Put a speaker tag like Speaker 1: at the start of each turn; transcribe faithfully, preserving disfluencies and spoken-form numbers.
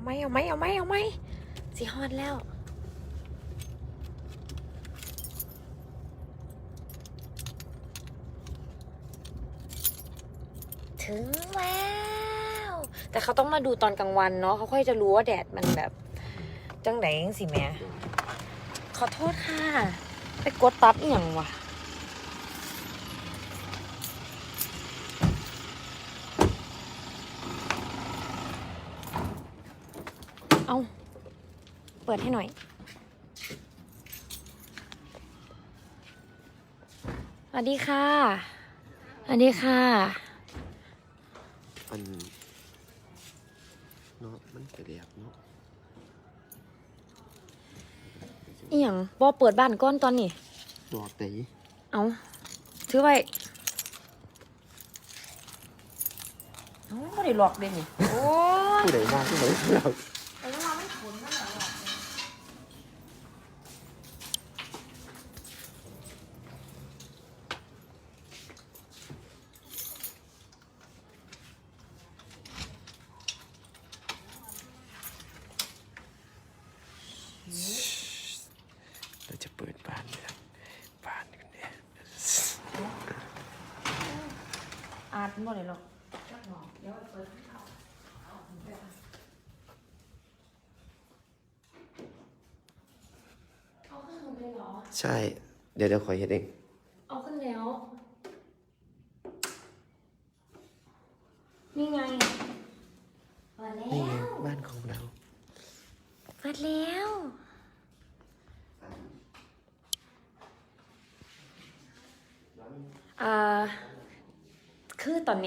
Speaker 1: ไหมเอาไหมเอาไหมเอาไหมสีฮอดแล้วถึงแล้วแต่เขาต้องมาดูตอนกลางวันเนาะเขาค่อยจะรู้ว่าแดดมันแบบจังไหนสิแม่ขอโทษค่ะไปกดตับอีหยังวะเอาเปิดให้หน่อยสวัสดีค่ะสวัสดีค่ะ
Speaker 2: มันเนาะมันกระเดียบเนาะ
Speaker 1: อีหยังบอเปิดบ้านก้อนตอนนี้
Speaker 2: ดอกตี
Speaker 1: เอาถือไว้เอาไม่ได้หลอกเด่นนี่โอ้ย
Speaker 2: ผู้ใดมาผู้ใดเรา
Speaker 1: แต่ว่าเราไม่ขนนั่นแหละหรอก
Speaker 2: เราจะเปิดบ้านเนี่ยบ้านกันเนี่ย
Speaker 1: อาดไม่ได้หรอกเดี๋ยวเปิดให้เขาเอาขึ้นเลยเหรอ
Speaker 2: ใช่เดี๋ยวเดี๋ยวขอเฮ็ดเอง
Speaker 1: เอาขึ้นแล้ว นี่ไงเปิดแล้
Speaker 2: นี่ไง
Speaker 1: ว
Speaker 2: บ้านของเรา
Speaker 1: เปิดแล้ว